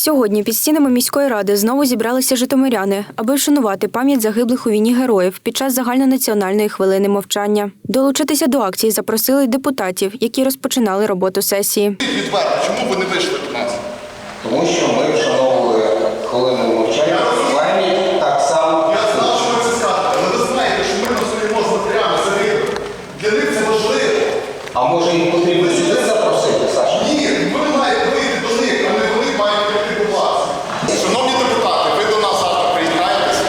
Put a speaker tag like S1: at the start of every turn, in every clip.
S1: Сьогодні під стінами міської ради знову зібралися житомиряни, аби вшанувати пам'ять загиблих у війні героїв під час загальнонаціональної хвилини мовчання. Долучитися до акції запросили й депутатів, які розпочинали роботу сесії.
S2: Відверто, чому ви не вийшли до нас?
S3: Тому що ми вшановували хвилину мовчання, пам'ять так само.
S2: Я знав, що ви це скажете, але ви знаєте, що ми стоїмо з матеріалами загиблих. Для них це важливо.
S3: А може їм потрібно сюди запросити, Саша?
S2: Ні, ви маєте вийти до них, а не вони мають прийти до вас. Шановні депутати, ви до нас завтра приєднаєтесь.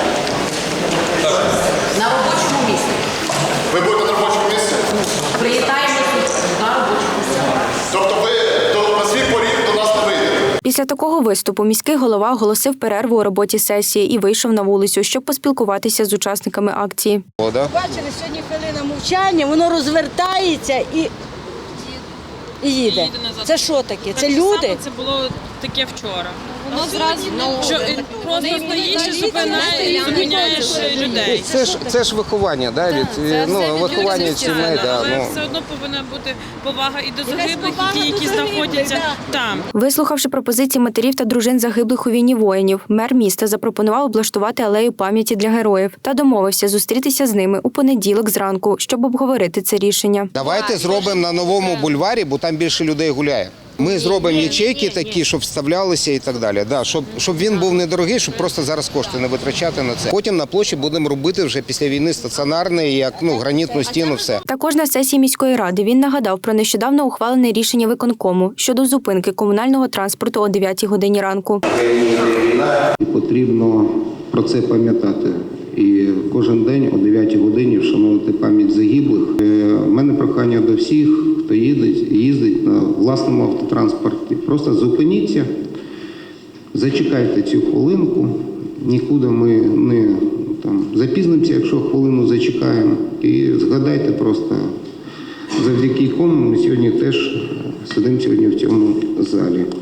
S4: На робочому місці.
S2: Ви будете на робочому місці?
S4: Приєднаємося на робочому місці.
S2: Тобто ви на свій поріг до нас не вийдете?
S1: Після такого виступу міський голова оголосив перерву у роботі сесії і вийшов на вулицю, щоб поспілкуватися з учасниками акції.
S5: Бачили, сьогодні хвилина мовчання, воно розвертається і їде. Це що таке? Це люди?
S6: Це було таке вчора. Воно зразу просто стоїш і зупиняєш людей.
S3: Це ж виховання, да, виховання сімей.
S6: Але все одно повинна бути повага і до загиблих, і ті, які знаходяться там.
S1: Вислухавши пропозиції матерів та дружин загиблих у війні воїнів, мер міста запропонував облаштувати алею пам'яті для героїв та домовився зустрітися з ними у понеділок зранку, щоб обговорити це рішення.
S3: Давайте зробимо на новому бульварі, бо там більше людей гуляє. Ми зробимо ячейки такі, щоб вставлялися і так далі. Да, щоб він був недорогий, щоб просто зараз кошти не витрачати на це. Потім на площі будемо робити вже після війни стаціонарний, як гранітну стіну, все.
S1: Також на сесії міської ради він нагадав про нещодавно ухвалене рішення виконкому щодо зупинки комунального транспорту о 9 годині ранку.
S7: І потрібно про це пам'ятати. І кожен день о 9 годині вшановувати пам'ять загиблих. У мене прохання до всіх, хто їздить на власному автотранспорті. Просто зупиніться, зачекайте цю хвилинку, нікуди ми не запізнимося, якщо хвилину зачекаємо. І згадайте просто, завдяки кому ми сьогодні теж сидимо в цьому залі.